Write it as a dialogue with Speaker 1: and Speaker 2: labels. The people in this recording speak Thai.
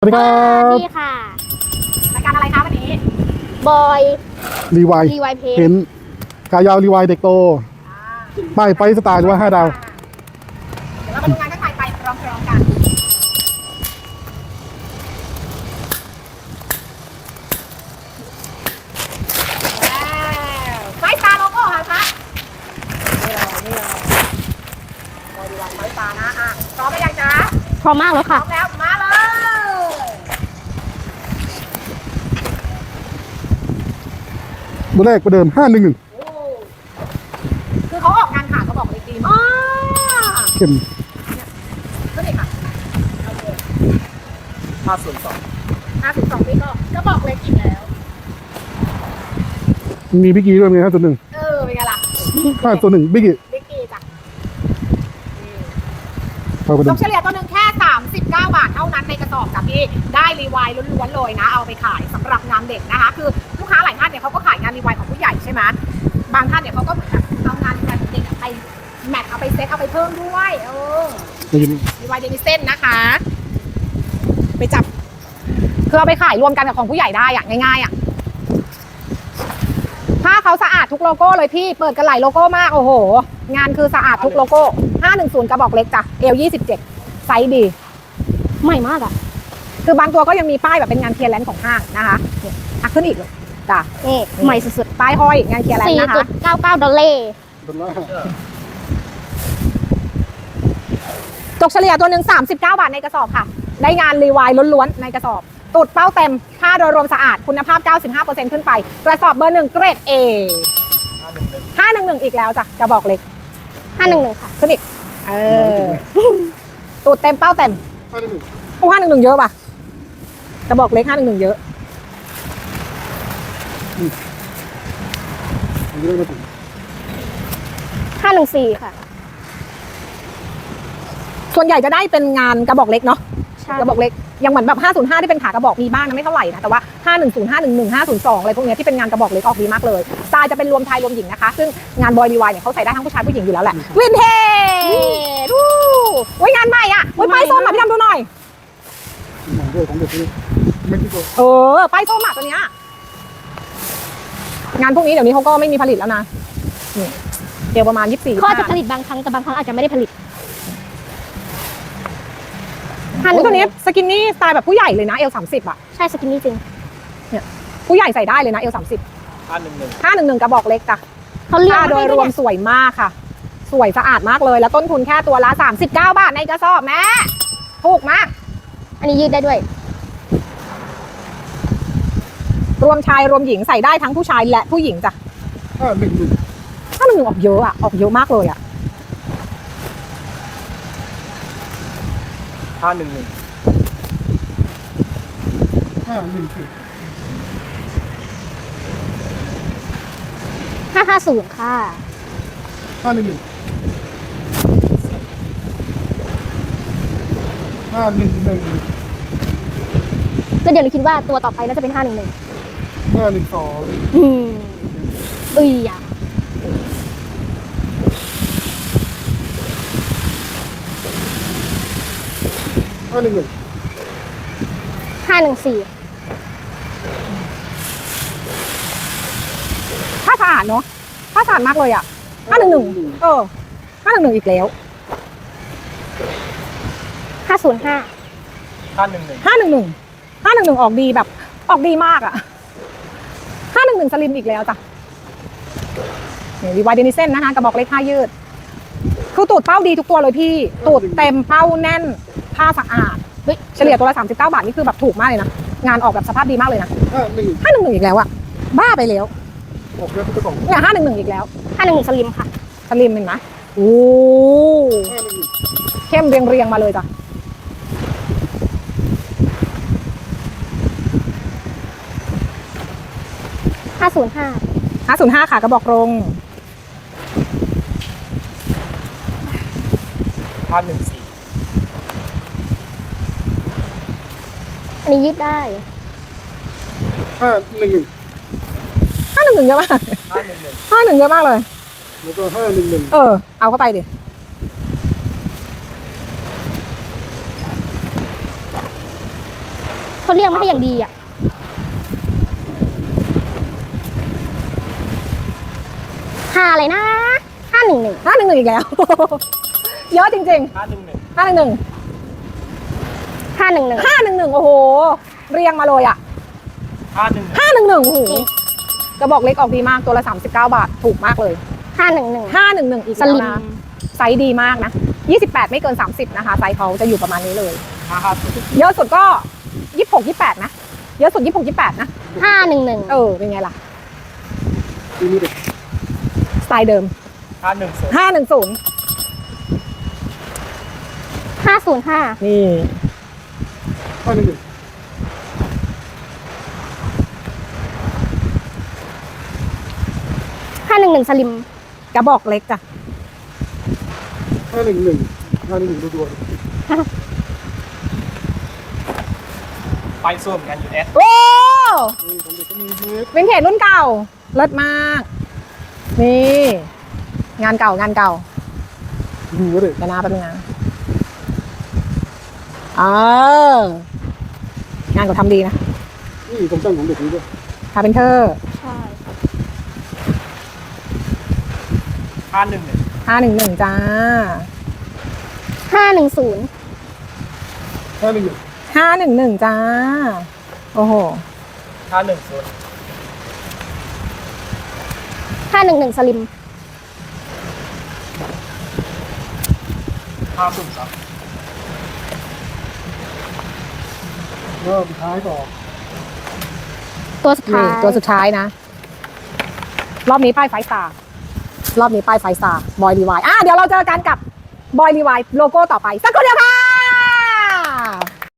Speaker 1: สวัสดีครับ
Speaker 2: นี่ค่ะ
Speaker 3: รายการอะไรคะวันนี้
Speaker 2: บอย
Speaker 1: รีไว
Speaker 2: รีไวเพ
Speaker 1: เห็
Speaker 2: น
Speaker 1: นขายาวรีไวเด็กโตป้ายไปสไตล์หรือว่า5 ดาว
Speaker 3: เดี๋ยวเรามาดูงานข้างในไปพร้อมๆกันไฟสตาร์โลโก้ค่ะคะนี่เลยบอดี้ไลน์ไฟสตาร์นะพร้อมหรือยังจ๊ะ
Speaker 2: พร้อมมากแล้ว
Speaker 3: พร้
Speaker 2: ค่ะ
Speaker 3: อมแล้วมาเลย
Speaker 1: ตัวแรกประเดิม 511
Speaker 3: คือเขาออกงานขาดเขาบอกเลยดีมาก
Speaker 1: เข้ม
Speaker 3: ขึ้นอีกค่ะ502ปีก็บอกเล็กอีกแล้ว
Speaker 1: มีบิ๊กกี้ด้วยไง501
Speaker 3: เป็นไงล่ะ
Speaker 1: 501บิ๊กกี้
Speaker 3: บิ๊กกี้จ้ะ
Speaker 1: เอาประเดิ
Speaker 3: ต้
Speaker 1: ม
Speaker 3: องเฉลี่ยตัวหนึ่งแค่ 39 บาทเท่านั้นในกระสอบกับพี่ได้รีไวล์ล้วนๆเลยนะ เอาไปขายสำหรับงานเด็กนะคะ คือลูกค้าหลายท่านเนี่ยเขาก็ขายงานรีไวล์ของผู้ใหญ่ใช่ไหมบางท่านเนี่ยเขาก็เหมือนแบบเอางานรีไวล์ของเด็กไปแมทเอาไปเซตเอาไปเพิ่มด้วยรีไวล์เดนิเซ่นนะคะ ไปจับคือเอาไปขายรวมกันกับของผู้ใหญ่ได้อะง่ายๆอะผ้าเขาสะอาดทุกโลโก้เลยพี่เปิดกันหลายโลโก้มากโอ้โหงานคือสะอาดทุกโลโก้510กระบอกเล็กจ้ะเอล27ไซส์ดี
Speaker 2: ใหม่มากอ่ะ
Speaker 3: คือบางตัวก็ยังมีป้ายแบบเป็นงานเคลียร์แลนด์ของห้างนะคะเนี่ยขึ้นอีกเลยจ้ะ
Speaker 2: นี่ใหม่สุด
Speaker 3: ป้ายห้อยงานเคลียร์แลนด์นะคะ
Speaker 2: 4.99 ดอลลาร์
Speaker 3: ตกเฉลี่ยตัวหนึ่ง39 บาทในกระสอบค่ะ ได้งานรีไวล์ล้วนๆในกระสอบตูดเป้าเต็มค่าโดยรวมสะอาดคุณภาพ 95% ขึ้นไป กระสอบเบอร์1เกรด A 511อีกแล้วจ้ะกระบอกเล็ก
Speaker 2: 511ค่ะ
Speaker 3: ขึ้นอีกตูดเต็มเป้าเต็มโอ้511เยอะป่ะกระบอกเล็ก511เยอะ
Speaker 2: 514 ค่ะ
Speaker 3: ส่วนใหญ่จะได้เป็นงานกระบอกเล็กเนาะ
Speaker 2: ใช่
Speaker 3: กระบอกเล็กยังเหมือนแบบ505ที่เป็นขากระบอกมีบ้างนะไม่เท่าไหร่นะแต่ว่า510 511 502อะไรพวกเนี้ยที่เป็นงานกระบอกเล็กออกดีมากเลยสไตล์จะเป็นรวมชายรวมหญิงนะคะซึ่งงานบอยดีวายเนี่ยเขาใส่ได้ทั้งผู้ชายผู้หญิงอยู่แล้วแหละวินเทจดูโอ้ยงานใหม่อ่ะโอ้ยป้ายส้มอ่ะพี่ดำดูหน่อยป้ายส้มอ่ะตัวเนี้ยงานพวกนี้เดี๋ยวนี้เขาก็ไม่มีผลิตแล้วนะนี่เดี๋ยวประมาณ24
Speaker 2: เขาอาจจะผลิตบางครั้งแต่บางครั้งอาจจะไม่ได้ผลิต
Speaker 3: ตัวนี้สกินนี่สไตล์แบบผู้ใหญ่เลยนะเอล30อ่ะ
Speaker 2: ใช่สกินนี่จริง
Speaker 3: ผู้ใหญ่ใส่ได้เลยนะเอล30 511กระบอกเล็กจ้ะ
Speaker 2: เขาเลือก
Speaker 3: ค่าโดยรวม
Speaker 2: ให้
Speaker 3: สวยมากค่ะ สวยสะอาดมากเลยแล้วต้นทุนแค่ตัวละ39 บาทในกระสอบแม่ถูกมาก
Speaker 2: อันนี้ยืดได้ด้วย
Speaker 3: รวมชายรวมหญิงใส่ได้ทั้งผู้ชายและผู้หญิงจ้ะ511ออกเยอะอะออกเยอะมากเลยอะ
Speaker 2: 550 ค่ะ ก็เดี๋ยวหนูคิดว่าตัวต่อไปน่าจะเป็น511อ่ะ514
Speaker 3: ผ้าสะอาดเนาะผ้าสะอาดมากเลยอะ511511อีกแล้ว
Speaker 2: 505
Speaker 3: 511ออกดีแบบออกดีมากอะ511สลิมอีกแล้วจ้ะรีไวเดนิเซ่นนะคะกระบอกเล็กผ้ายืดคือตูดเป้าดีทุกตัวเลยพี่ตูดเต็มเป้าแน่นผ้าสะอาดเฉลี่ยตัวละ39 บาทนี่คือแบบถูกมากเลยนะงานออกแบบสภาพดีมากเลยนะ511อีกแล้วอะบ้าไปแล้วเนี่ย511อีกแล้ว
Speaker 2: 511สลิมค่ะ
Speaker 3: สลิมเห็นไหมโอ้เข้มเรียงมาเลยจ้ะ
Speaker 2: 505
Speaker 3: 505ค่ะกระบอกรง
Speaker 2: อันนี้ยืดได้
Speaker 3: 511เยอะมาก511เยอะมากเลย
Speaker 1: แล้วก็511
Speaker 3: เอาเข้าไปดิ
Speaker 2: เขาเรียกไม่ให้อย่างดีอ่ะห้าอะไรนะ511
Speaker 3: 511อีกแล้ว เยอะจริง
Speaker 4: 511
Speaker 3: ๆ511
Speaker 2: 511
Speaker 3: 511โอ้โหเรียงมาเลยอ่ะ
Speaker 4: 511
Speaker 3: 511โอ้โหกระบอกเล็กออกดีมากตัวละ39 บาทถูกมากเลย
Speaker 2: 511
Speaker 3: 511อีก
Speaker 2: ส
Speaker 3: แล้ว
Speaker 2: ลิม
Speaker 3: นะไซส์ดีมากนะ28ไม่เกิน30นะคะไซส์เขาจะอยู่ประมาณนี้เลย
Speaker 4: 550
Speaker 3: เยอะสุดก็26 28นะเยอะสุด26 28นะ
Speaker 2: 511
Speaker 3: เป็นไงล่ะ
Speaker 1: ที่นี่เด็ก
Speaker 3: สไตล์เดิม
Speaker 4: 510
Speaker 3: 510
Speaker 2: 505
Speaker 3: นี่
Speaker 1: 511
Speaker 2: 511สลิม
Speaker 3: กระบอกเล็กจ้ะ
Speaker 1: 511รัว
Speaker 4: ไปส้วมกันอยู่ S
Speaker 3: โอ้
Speaker 1: ๆนี่ของเด็กก็มีเยอะ
Speaker 3: วินเทจรุ่นเก่าเลิศมาก นี่งานเก่างานเก่า
Speaker 1: ดูว่าเด็ก
Speaker 3: เดี๋ยวนะแป๊บนึงนะงานเขาทำดีนะ
Speaker 1: นี่ผมตั้งของเด็กนี้ด้วย
Speaker 3: คาร์เพนเตอร์
Speaker 2: ใช่
Speaker 4: 511
Speaker 3: 511จ้า
Speaker 2: 510
Speaker 1: 511
Speaker 3: 511จ้า โอ้โห
Speaker 4: 510
Speaker 2: 511สลิม
Speaker 4: 503
Speaker 1: แล้วสุดท้ายต่อ
Speaker 2: ตัวสุดท้าย
Speaker 3: ตัวสุดท้ายนะ รอบนี้ป้ายไฟสตาร์รอบนี้ป้ายไฟสตาร์บอยรีไวเดี๋ยวเราเจอกันกับบอยรีไวโลโก้ต่อไป สักครู่เดียวค่ะ